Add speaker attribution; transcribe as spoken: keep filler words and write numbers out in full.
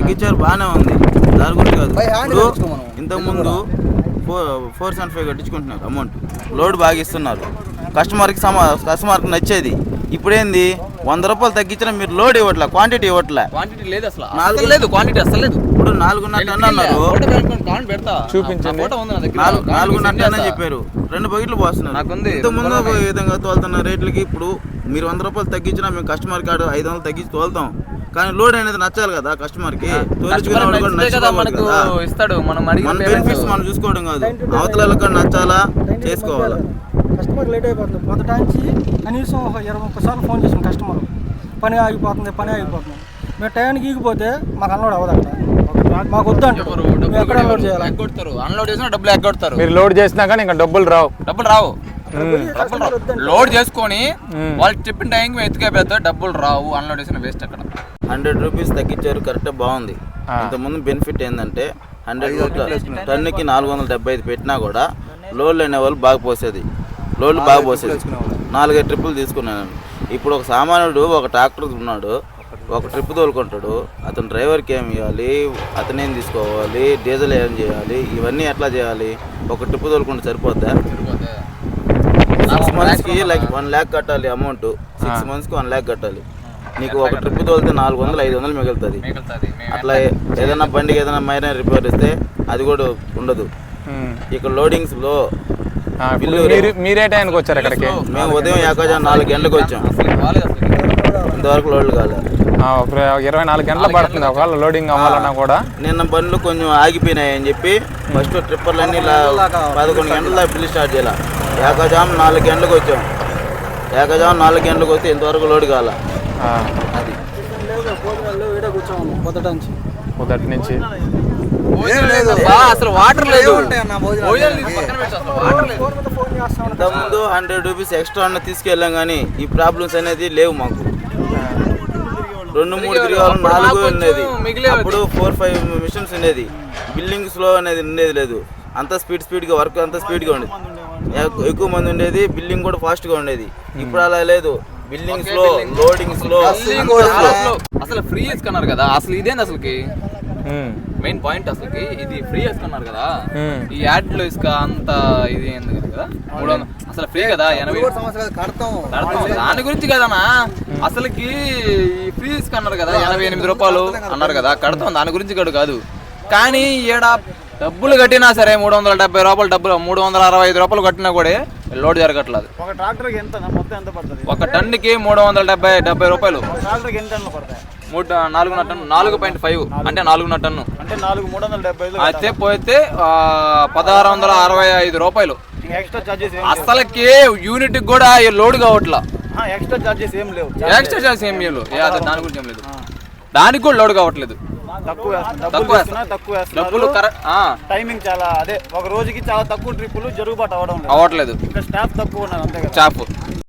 Speaker 1: తగ్గించారు, బాగానే ఉంది, దాని గురించి కాదు. ఇప్పుడు ఇంతకుముందు ఫోర్ ఫోర్ సెవెన్ ఫైవ్ కట్టించుకుంటున్నారు అమౌంట్, లోడ్ బాగా ఇస్తున్నారు, కస్టమర్కి సమా కస్టమర్కి నచ్చేది. ఇప్పుడేంది వంద రూపాయలు తగ్గించినా మీరు లోడ్ ఇవ్వట్లే, క్వాంటిటీ ఇవ్వట్లే,
Speaker 2: క్వాంటిటీ లేదు అసలు, నాలుగు లేదు క్వాంటిటీ అసలు లేదు.
Speaker 1: ఇప్పుడు నాలుగున్నర టన్ అన్నారు,
Speaker 2: చూపించండి,
Speaker 1: నాలుగున్నర టన్ అని చెప్పారు, రెండు బకెట్లు పోస్తున్నారు. ఇంతకుముందు ఈ విధంగా తోలుతున్న రేట్లకి ఇప్పుడు మీరు వంద రూపాయలు తగ్గించినా మేము కస్టమర్ కార్డు ఐదు వందలు తగ్గించి తోలుతాం, కానీ లోడ్ అనేది నచ్చాలి కదా కస్టమర్ కి. మన బెనిఫిట్స్ మనం చూసుకోవడం కాదు, అవతల కూడా నచ్చాలా, చేసుకోవాలా.
Speaker 3: కస్టమర్ లేట్ అయిపోతుంది, మొదటాంచి కనీసం ఒక ఇరవై ముప్పై సార్లు ఫోన్ చేసాం కస్టమర్, పని ఆగిపోతుంది పని ఆగిపోతుంది. మేము టైంకి ఈగిపోతే మాకు అన్లోడ్ అవ్వదంట, మాకు వద్దంటారు, ఎక్కడ అన్లోడ్ చేయాలి,
Speaker 2: అన్లోడ్ చేసినా డబ్బులు ఎగ్గొడతారు.
Speaker 4: మీరు లోడ్ చేసినా కానీ ఇంకా డబ్బులు రావు,
Speaker 2: డబ్బులు రావు. లోడ్ చేసుకొని వాళ్ళు చెప్పిన టైంకి ఎత్తుకే పెద్ద డబ్బులు రావు, అన్లోడ్ చేసిన వేస్ట్. అక్కడ
Speaker 1: హండ్రెడ్ రూపీస్ తగ్గించారు, కరెక్ట్ బాగుంది. ఇంతకుముందు బెనిఫిట్ ఏంటంటే హండ్రెడ్ టన్నుకి నాలుగు వందల డెబ్బై ఐదు పెట్టినా కూడా లోడ్లు అనే వాళ్ళు బాగా పోసేది, లోడ్లు బాగా పోసేది, నాలుగైదు ట్రిప్పులు తీసుకున్నాను. ఇప్పుడు ఒక సామాన్యుడు ఒక ట్రాక్టర్ ఉన్నాడు, ఒక ట్రిప్ తోలుకుంటాడు, అతను డ్రైవర్కి ఏం ఇవ్వాలి, అతనేం తీసుకోవాలి, డీజిల్ ఏం చేయాలి, ఇవన్నీ ఎట్లా చేయాలి? ఒక ట్రిప్ తోలుకుంటే సరిపోద్దా? సిక్స్ మంత్స్కి లైక్ వన్ ల్యాక్ కట్టాలి అమౌంట్, సిక్స్ మంత్స్కి వన్ ల్యాక్ కట్టాలి. నీకు ఒక ట్రిప్ తోలితే నాలుగు వందలు ఐదు వందలు మిగులుతుంది. అట్లా ఏదైనా బండికి ఏదైనా మైనర్ రిపేర్ ఇస్తే అది కూడా ఉండదు. ఇక్కడ లోడింగ్స్ లో
Speaker 4: మీరే టైంకి వచ్చారు అక్కడికి?
Speaker 1: మేము ఉదయం ఏకాజా నాలుగు గంటలకు వచ్చాం, ఇంతవరకు లోడ్లు కాలేదు.
Speaker 4: ఇరవై నాలుగు గంటలు పడుతుంది ఒకవేళ లోడింగ్ అవ్వాలన్నా కూడా.
Speaker 1: నిన్న బండ్లు కొంచెం ఆగిపోయినాయి అని చెప్పి ఫస్ట్ ట్రిప్పర్లన్నీ పదకొండు గంటల దాకా బిల్లు స్టార్ట్ చేయాలి. ఏకాజాం నాలుగు గంటలకు వచ్చాం, ఏకాజాం నాలుగు గంటలకు వస్తే ఇంతవరకు లోడ్ కాల. అది
Speaker 4: మొదటి నుంచి
Speaker 2: అసలు వాటర్ లేదు.
Speaker 1: ఇంతకుముందు హండ్రెడ్ రూపీస్ ఎక్స్ట్రా అన్న తీసుకెళ్ళాం కానీ ఈ ప్రాబ్లమ్స్ అనేది లేవు మాకు. రెండు మూడు తిరిగాలు నాలుగు ఉండేది, అప్పుడు ఫోర్ ఫైవ్ మిషన్స్ ఉండేది, బిల్డింగ్ స్లో అనేది ఉండేది లేదు, అంత స్పీడ్ స్పీడ్గా వర్క్ అంతా స్పీడ్గా ఉండేది, ఎక్కువ మంది ఉండేది, బిల్డింగ్ కూడా ఫాస్ట్గా ఉండేది. ఇప్పుడు అలా లేదు, బిల్డింగ్ స్లో, లోడింగ్ స్లో.
Speaker 2: అసలు ఫ్రీ వేసుకున్నారు కదా, అసలు ఇదేంది అసలుకి మెయిన్ పాయింట్, అసలుకి ఇది ఫ్రీ వేసుకున్నారు కదా. ఈ యాడ్ లో ఇసుక అంత ఇది ఏంది కదా, మూడు వందలు అసలు ఫ్రీ కదా, ఎనభై దాని గురించి కదనా అసలుకి ఫ్రీ ఇసుక అన్నారు కదా, ఎనభై ఎనిమిది రూపాయలు అన్నారు కదా, కడతాం దాని గురించి కూడా కాదు. కానీ ఈడ డబ్బులు కట్టినా సరే మూడు వందల డెబ్బై రూపాయలు డబ్బులు, మూడు వందల అరవై ఐదు రూపాయలు కట్టినా కూడా లోడ్ జరగట్లేదు.
Speaker 3: ఒక ట్రాక్టర్కి ఎంత మొత్తం ఎంత పడుతుంది?
Speaker 2: ఒక టన్నుకి మూడు వందల డెబ్బై డెబ్బై రూపాయలు.
Speaker 3: ట్రాక్టర్కి ఎన్ని టన్నులు పడతాయి?
Speaker 2: మూడు నాలుగున్నర టన్ను, నాలుగు పాయింట్ ఫైవ్ అంటే నాలుగున్నర టన్ను
Speaker 3: అంటే నాలుగు మూడు వందల డెబ్బై
Speaker 2: అయితే పోతే పదహారు వందల అరవై ఐదు రూపాయలు
Speaker 3: ఎక్స్ట్రా చార్జెస్.
Speaker 2: అసలుకి యూనిట్ కూడా లోడ్ కావట్లా,
Speaker 3: ఎక్స్ట్రా చార్జెస్ ఏం లేవు,
Speaker 2: ఎక్స్ట్రా చార్జెస్ ఏం లేవు, దాని గురించి ఏం లేదు, దానికి కూడా లోడ్ కావట్లేదు.
Speaker 3: తక్కువ తక్కువ
Speaker 2: డబ్బులు
Speaker 3: టైమింగ్ చాలా, అదే ఒక రోజుకి చాలా తక్కువ ట్రిప్పులు జరుగుబాటు అవడం
Speaker 2: అవ్వట్లేదు,
Speaker 3: ఇంకా స్టాఫ్ తక్కువ ఉన్నారు అంతే కదా.
Speaker 2: స్టాఫ్